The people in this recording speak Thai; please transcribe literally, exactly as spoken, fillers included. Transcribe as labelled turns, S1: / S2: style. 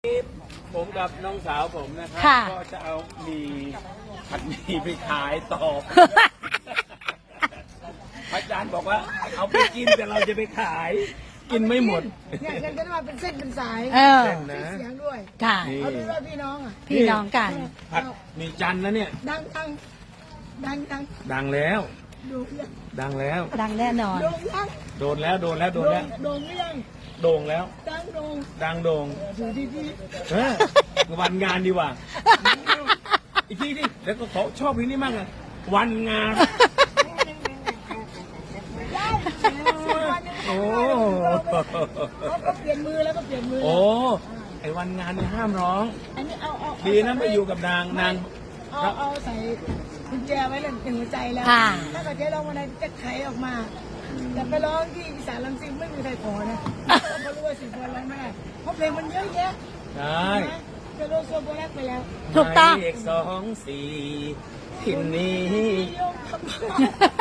S1: ผมกับน้องสาวผมนะครับ
S2: ค่ะ
S1: ก็จะเอาหมีผัดหมีไปขายต่อ อาจารย์บอกว่าเอาไปกินแต่เราจะไปขาย กินไม่หมด
S3: เนี่ยกันจะมาเป็นเส้นเป็นสาย
S2: เออ
S1: เส้นนะ
S3: เสียงด้วย
S2: ค่ะ
S3: เอาดูว่าพี่น้องอ่ะ
S2: พี่น้องกัน
S1: ผัดหมีจันทร์นะเนี่ย
S3: ดังดังดังดัง
S1: ดังแล้ว
S3: ดูยัง
S1: ดังแล้ว
S2: ดังแน่นอน
S3: โด่งยัง
S1: โดนแล้วโดนแล้วโดนแล้ว
S3: โด่งหรือยัง
S1: โด่งแล้ว
S3: ดังโด่ง
S1: ดังโด่ง
S3: อยู่ดีดี
S1: เออวันงานดีกว่า อีกทีดิแล้วก็เขาชอบเพลงนี้มากเลยวันงาน
S3: ได้วันหนึง
S1: โอ้
S3: เขาก็เปลี่ยนมือแล้วก็เปลี่ยนมือ
S1: โอ้ไอ้วันงานเนี่ยห้ามร้อง
S3: อันนี้เอาเอา
S1: ดีนะไม่อยู่กับนางนาง
S3: เอาเอาใส่กุญแจไว้เลยในหัวใจแล้ว
S2: ค่ะ
S3: ถ้าเกิดจะร้องวันไหนจะไขออกมาแต่ไปร้องที่อีสานลำซิงไม่มีใครขอนะเพราะรู้ว่าสิบวันร้องไม่ได้เพราะเพลงมันเยอะแยะ
S1: ใช่
S3: จะโลโซโบแรกไปแล้ว
S2: ถูกต้อง
S1: หมายเลขสองสี่ที่นี้
S3: ยกคำ